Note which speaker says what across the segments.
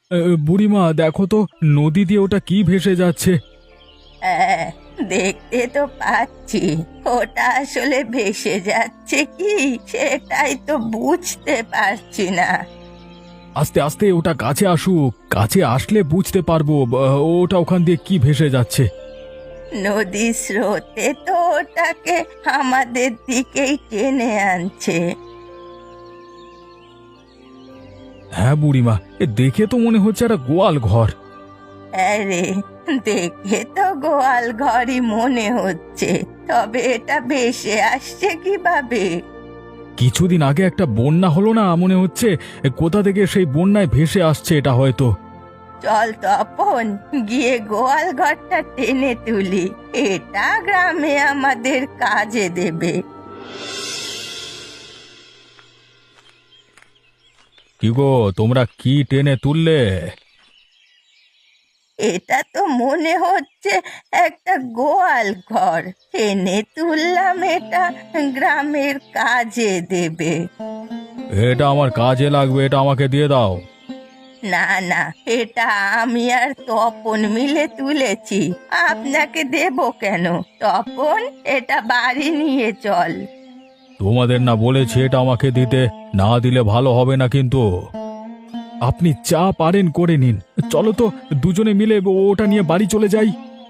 Speaker 1: বুড়িমা দেখো তো, নদী দিয়ে ওটা কি ভেসে যাচ্ছে।
Speaker 2: হ্যাঁ, দেখতে তো পাচ্ছি। ওটা আসলে ভেসে যাচ্ছে কি সেটাই তো বুঝতে পারছি না।
Speaker 1: আস্তে আস্তে ওটা কাছে আসুক, কাছে আসলে বুঝতে পারবো ওটা ওখান দিয়ে কি ভেসে যাচ্ছে।
Speaker 2: নদীর স্রোতে তো ওটাকে আমাদের দিকেই টেনে আনছে।
Speaker 1: হ্যাঁ বুড়িমা, দেখে তো মনে হচ্ছে একটা গোয়াল ঘর।
Speaker 2: আরে, দেখে তো গোয়াল ঘরই মনে হচ্ছে, তবে এটা ভেসে আসছে কিভাবে?
Speaker 1: কিছুদিন আগে একটা বন্যা হলো না, মনে হচ্ছে কোথা থেকে সেই বন্যায় ভেসে আসছে এটা হয়তো।
Speaker 2: চল তপন, গিয়ে গোয়াল ঘরটা টেনে তুলি। এটা গ্রামে আমাদের কাজে দেবে।
Speaker 1: কি গো, তোমরা কি টেনে তুললে?
Speaker 2: এটা তো মনে হচ্ছে একটা গোয়াল ঘর। টেনে তুললাম, এটা গ্রামের কাজে দেবে।
Speaker 1: এটা আমার কাজে লাগবে, এটা আমাকে দিয়ে দাও।
Speaker 2: না না, এটা আমি আর তপন মিলে তুলেছি, আপনাকে দেব কেন? তপন, এটা বাড়ি নিয়ে চল।
Speaker 1: তোমাদের না বলেছি এটা আমাকে দিতে? না দিলে ভালো হবে না কিন্তু। আপনি যা পারেন করে নিন, চলো তো দুজনে মিলে ওটা নিয়ে বাড়ি চলে যাই।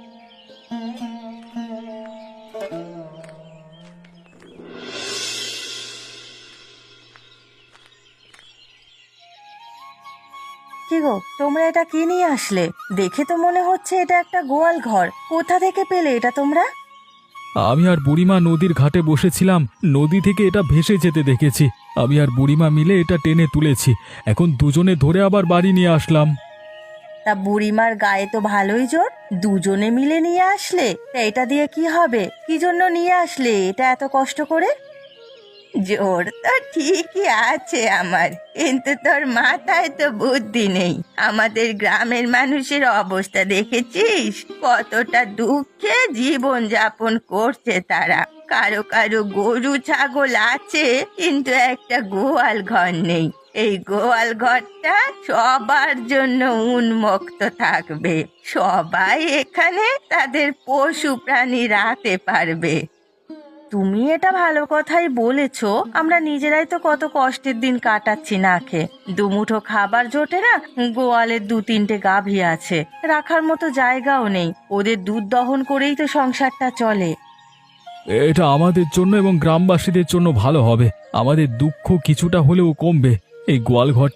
Speaker 2: কি গো, তোমরা এটা কি নিয়ে আসলে? দেখে তো মনে হচ্ছে এটা একটা গোয়াল ঘর। কোথা থেকে পেলে এটা তোমরা?
Speaker 1: আমি আর বুড়িমা নদীর ঘাটে বসেছিলাম, নদী থেকে এটা ভেসে যেতে দেখেছি। আমি আর বুড়িমা মিলে এটা টেনে তুলেছি, এখন দুজনে ধরে আবার বাড়ি নিয়ে আসলাম।
Speaker 2: তা বুড়িমার গায়ে তো ভালোই জোর, দুজনে মিলে নিয়ে আসলে। তা এটা দিয়ে কি হবে? কি জন্য নিয়ে আসলে এটা এত কষ্ট করে? জোর তো ঠিকই আছে আমার, কিন্তু তোর মাথায় তো বুদ্ধি নেই। আমাদের গ্রামের মানুষের অবস্থা দেখেছিস? কতটা দুঃখে জীবন যাপন করছে তারা। কারো কারো গরু ছাগল আছে, কিন্তু একটা গোয়াল ঘর নেই। এই গোয়াল ঘরটা সবার জন্য উন্মুক্ত থাকবে। সবাই এখানে তাদের পশু প্রাণী রাখতে পারবে। তুমি এটা ভালো কথাই বলেছো। আমরা নিজেরাই তো কত কষ্টের দিন কাটাচ্ছি না খেয়ে। দুমুঠো খাবার জোটে না, গোয়ালের 2-3টে গাভী আছে, রাখার মতো জায়গাও নেই। ওদের দুধ দহন করেই তো সংসারটা চলে।
Speaker 1: এটা আমাদের জন্য এবং গ্রামবাসীদের জন্য ভালো হবে, আমাদের দুঃখ কিছুটা হলেও কমবে। এই গোয়ালঘর